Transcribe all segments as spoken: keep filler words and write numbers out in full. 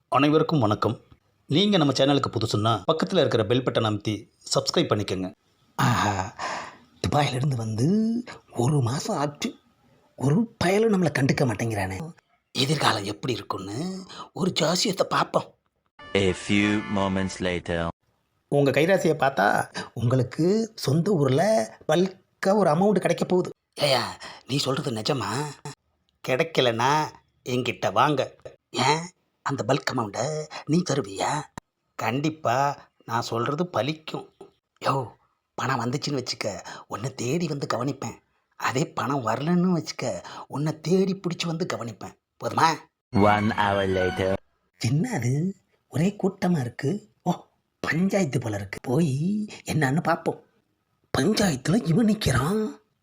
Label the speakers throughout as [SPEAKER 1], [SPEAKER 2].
[SPEAKER 1] அனைவருக்கும் வணக்கம். நீங்கள் நம்ம சேனலுக்கு புதுசுன்னா பக்கத்தில் இருக்கிற பெல் பட்டன் அமைத்தி சப்ஸ்கிரைப் பண்ணிக்கோங்க.
[SPEAKER 2] ஆஹா, துபாயிலிருந்து வந்து ஒரு மாதம் ஆச்சு, ஒரு பயலும் நம்மளை கண்டுக்க மாட்டேங்கிறானே. எதிர்காலம் எப்படி இருக்குன்னு ஒரு ஜாசியத்தை பார்ப்போம்.
[SPEAKER 3] A few moments later.
[SPEAKER 2] உங்கள் கைராசியை பார்த்தா உங்களுக்கு சொந்த ஊரில் பல்காக ஒரு அமௌண்ட் கிடைக்க போகுது. ஏயா, நீ சொல்கிறது நிஜமா? கிடைக்கலனா என்கிட்ட வாங்க. ஏன், அந்த பல்க் அமௌண்ட்டை நீ தருவியா? கண்டிப்பாக நான் சொல்கிறது பலிக்கும். யோ, பணம் வந்துச்சுன்னு வச்சுக்க, உன்னை தேடி வந்து கவனிப்பேன். அதே பணம் வரலன்னு வச்சுக்க, உன்னை தேடி பிடிச்சி வந்து கவனிப்பேன். போதுமா?
[SPEAKER 3] One hour later.
[SPEAKER 2] என்ன அது, ஒரே கூட்டமாக இருக்குது. ஓ, பஞ்சாயத்து போல இருக்கு. போய் என்னன்னு பார்ப்போம். பஞ்சாயத்தில் இவன் நிற்கிறான்.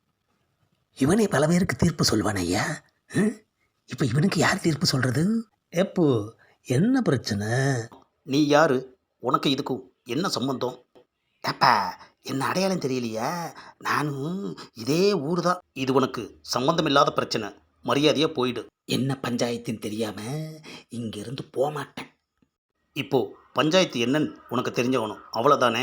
[SPEAKER 2] இவனே பல பேருக்கு தீர்ப்பு சொல்வான் ஐயா. இப்போ இவனுக்கு யார் தீர்ப்பு சொல்கிறது? எப்போ என்ன பிரச்சனை?
[SPEAKER 1] நீ யாரு? உனக்கு இதுக்கும் என்ன சம்பந்தம்?
[SPEAKER 2] ஏப்பா, என்ன அடையாளம் தெரியலையா? நானும் இதே ஊர் தான்.
[SPEAKER 1] இது உனக்கு சம்பந்தம் இல்லாத பிரச்சனை. மரியாதையாக போயிடு.
[SPEAKER 2] என்ன பஞ்சாயத்துன்னு தெரியாமல் இங்கேருந்து போக மாட்டேன்.
[SPEAKER 1] இப்போ பஞ்சாயத்து என்னன்னு உனக்கு தெரிஞ்சவனும் அவ்வளோதானே.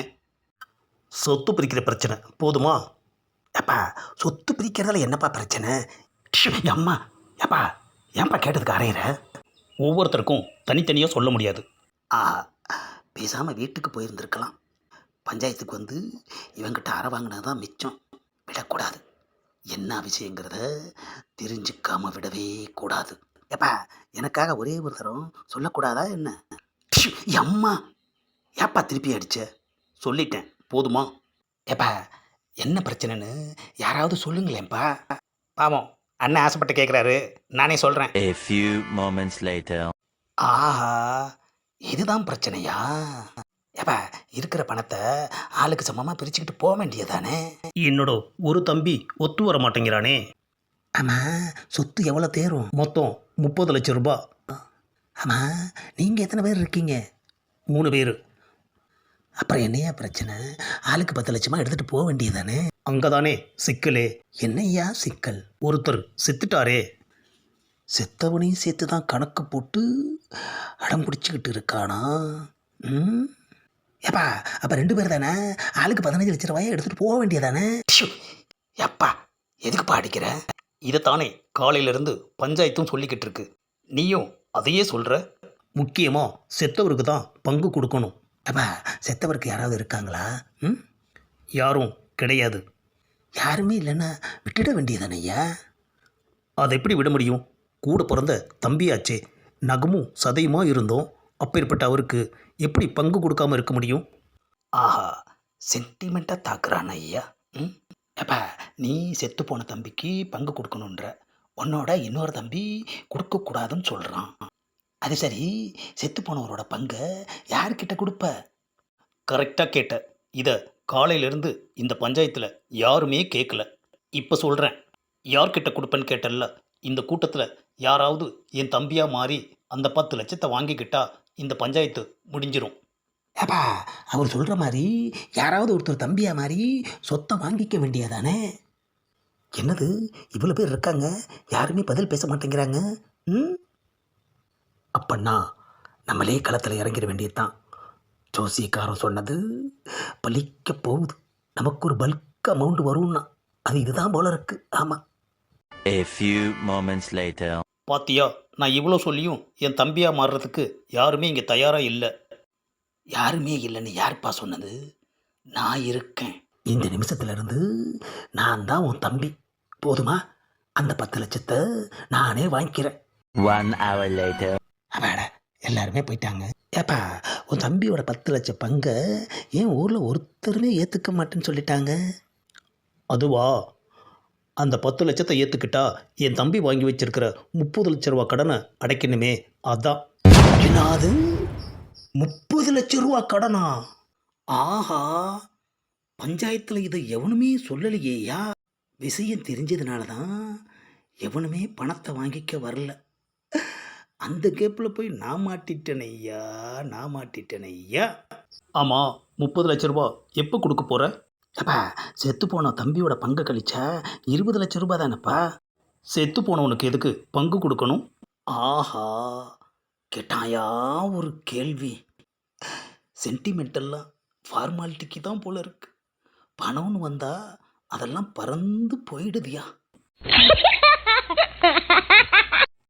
[SPEAKER 1] சொத்து பிரிக்கிற பிரச்சனை போதுமா?
[SPEAKER 2] ஏப்பா, சொத்து பிரிக்கிறதுல என்னப்பா பிரச்சனை? ஷு, அம்மா, ஏப்பா ஏன்பா கேட்டதுக்கு அறையிற?
[SPEAKER 1] ஒவ்வொருத்தருக்கும் தனித்தனியாக சொல்ல முடியாது.
[SPEAKER 2] ஆ, பேசாமல் வீட்டுக்கு போயிருந்துருக்கலாம். பஞ்சாயத்துக்கு வந்து இவங்கிட்ட அறை வாங்கினது தான் மிச்சம். விடக்கூடாது. என்ன விஷயங்கிறத தெரிஞ்சுக்காம விடவே கூடாது. ஏப்பா, எனக்காக ஒரே ஒரு தரம் சொல்லக்கூடாதா என்ன? ஷு, அம்மா, ஏப்பா திருப்பி அடிச்ச?
[SPEAKER 1] சொல்லிட்டேன் போதுமா?
[SPEAKER 2] ஏப்பா, என்ன பிரச்சனைன்னு யாராவது சொல்லுங்களேன்ப்பா.
[SPEAKER 1] பாவம், அண்ணன் ஆசைப்பட்டு கேட்குறாரு, நானே சொல்கிறேன்.
[SPEAKER 3] A few moments later.
[SPEAKER 2] ஆஹா, இதுதான் பிரச்சனையா? ஏப்பா, இருக்கிற பணத்தை ஆளுக்கு சமமாக பிரிச்சுக்கிட்டு போக வேண்டியதானே?
[SPEAKER 1] என்னோட ஒரு தம்பி ஒத்து வர மாட்டேங்கிறானே.
[SPEAKER 2] ஆமாம், சொத்து எவ்வளோ தேரும்?
[SPEAKER 1] மொத்தம் முப்பது லட்சம் ரூபாய்.
[SPEAKER 2] ஆமாம், நீங்கள் எத்தனை பேர் இருக்கீங்க?
[SPEAKER 1] மூணு பேர்.
[SPEAKER 2] அப்புறம் என்னையா பிரச்சனை? ஆளுக்கு பத்து லட்சமாக எடுத்துகிட்டு போக வேண்டியதானே?
[SPEAKER 1] அங்கே தானே சிக்கலே.
[SPEAKER 2] என்னையா சிக்கல்?
[SPEAKER 1] ஒருத்தர் செத்துட்டாரே.
[SPEAKER 2] செத்தவனையும் சேர்த்து தான் கணக்கு போட்டு அடம் பிடிச்சிக்கிட்டு இருக்கானா? ம், ஏப்பா, அப்போ ரெண்டு பேர் தானே? ஆளுக்கு பதினஞ்சு லட்ச ரூபாயை எடுத்துகிட்டு போக வேண்டியதானே? எப்பா, எதுக்குப்பா அடிக்கிற?
[SPEAKER 1] இதைத்தானே காலையிலேருந்து பஞ்சாயத்தும் சொல்லிக்கிட்டு இருக்கு. நீயும் அதையே சொல்கிற. முக்கியமாக செத்தவருக்கு தான் பங்கு கொடுக்கணும்.
[SPEAKER 2] அப்பா, செத்தவருக்கு யாராவது இருக்காங்களா? ம்,
[SPEAKER 1] யாரும் கிடையாது.
[SPEAKER 2] யாருமே இல்லைன்னா விட்டுட வேண்டியதானே ஐயா?
[SPEAKER 1] அதை எப்படி விட முடியும்? கூட பிறந்த தம்பியாச்சே. நகமும் சதையுமா இருந்தோம். அப்பேற்பட்ட அவருக்கு எப்படி பங்கு கொடுக்காம இருக்க முடியும்?
[SPEAKER 2] ஆஹா, சென்டிமெண்ட்டாக தாக்குறான் ஐயா. ம், அப்பா, நீ செத்து போன தம்பிக்கு பங்கு கொடுக்கணுன்ற, உன்னோட இன்னொரு தம்பி கொடுக்கக்கூடாதுன்னு சொல்கிறான். அது சரி, செத்து போனவரோட பங்கை யார்கிட்ட கொடுப்ப?
[SPEAKER 1] கரெக்டாக கேட்ட. இதை காலையிலேருந்து இந்த பஞ்சாயத்தில் யாருமே கேட்கல. இப்போ சொல்கிறேன். யார்கிட்ட கொடுப்பேன்னு கேட்டல்ல. இந்த கூட்டத்தில் யாராவது என் தம்பியாக மாறி அந்த பத்து லட்சத்தை வாங்கிக்கிட்டா இந்த பஞ்சாயத்து முடிஞ்சிரும்.
[SPEAKER 2] ஏப்பா, அவர் சொல்கிற மாதிரி யாராவது ஒருத்தர் தம்பியாக மாதிரி சொத்தை வாங்கிக்க வேண்டியதானே? என்னது, இவ்வளோ பேர் இருக்காங்க, யாருமே பதில் பேச மாட்டேங்கிறாங்க. ம், அப்பன்னா நம்மளே களத்தில் இறங்கிட வேண்டியதுதான். ஜோசியக்காரன் சொன்னது பலிக்க போகுது. நமக்கு ஒரு பல்க் அமௌண்ட் வரும்னா அது இதுதான் போல இருக்கு. ஆமாம்.
[SPEAKER 3] A few moments later.
[SPEAKER 1] பாத்தியா, நான் இவ்வளோ சொல்லியும் என் தம்பியாக மாறுறதுக்கு யாருமே இங்கே தயாராக இல்லை.
[SPEAKER 2] யாருமே இல்லைன்னு யாருப்பா சொன்னது? நான் இருக்கேன். இந்த நிமிஷத்துலேருந்து நான் தான் உன் தம்பி. போதுமா? அந்த பத்து லட்சத்தை நானே வாங்கிக்கிறேன்.
[SPEAKER 3] One hour later.
[SPEAKER 2] அவாட, எல்லாருமே போயிட்டாங்க. ஏப்பா, உன் தம்பியோட பத்து லட்சம் பங்கை ஏன் ஊரில் ஒருத்தருமே ஏற்றுக்க மாட்டேன்னு சொல்லிட்டாங்க?
[SPEAKER 1] அதுவா, அந்த பத்து லட்சத்தை ஏற்றுக்கிட்டா என் தம்பி வாங்கி வச்சிருக்கிற முப்பது லட்ச ரூபா கடனை அடைக்கணுமே, அதான்.
[SPEAKER 2] என்னது, முப்பது லட்சம் ரூபா கடனா? ஆஹா, பஞ்சாயத்தில் இதை எவனுமே சொல்லலையேயா. விஷயம் தெரிஞ்சதுனால தான் எவனுமே பணத்தை வாங்கிக்க வரல. அந்த கேப்பில் போய் நான் மாட்டிட்டேன் ஐயா, நான் மாட்டிட்டேன் ஐயா.
[SPEAKER 1] ஆமாம், முப்பது லட்ச ரூபா எப்போ கொடுக்க போகிற?
[SPEAKER 2] அப்பா, செத்து போன தம்பியோட பங்கை கழிச்சா இருபது லட்சம் ரூபாய் தானேப்பா.
[SPEAKER 1] செத்து போனவனுக்கு எதுக்கு பங்கு கொடுக்கணும்?
[SPEAKER 2] ஆஹா, கேட்டாயா ஒரு கேள்வி. சென்டிமெண்டெல்லாம் ஃபார்மாலிட்டிக்கு தான் போல இருக்கு. பணம்னு வந்தா அதெல்லாம் பறந்து போயிடுதியா.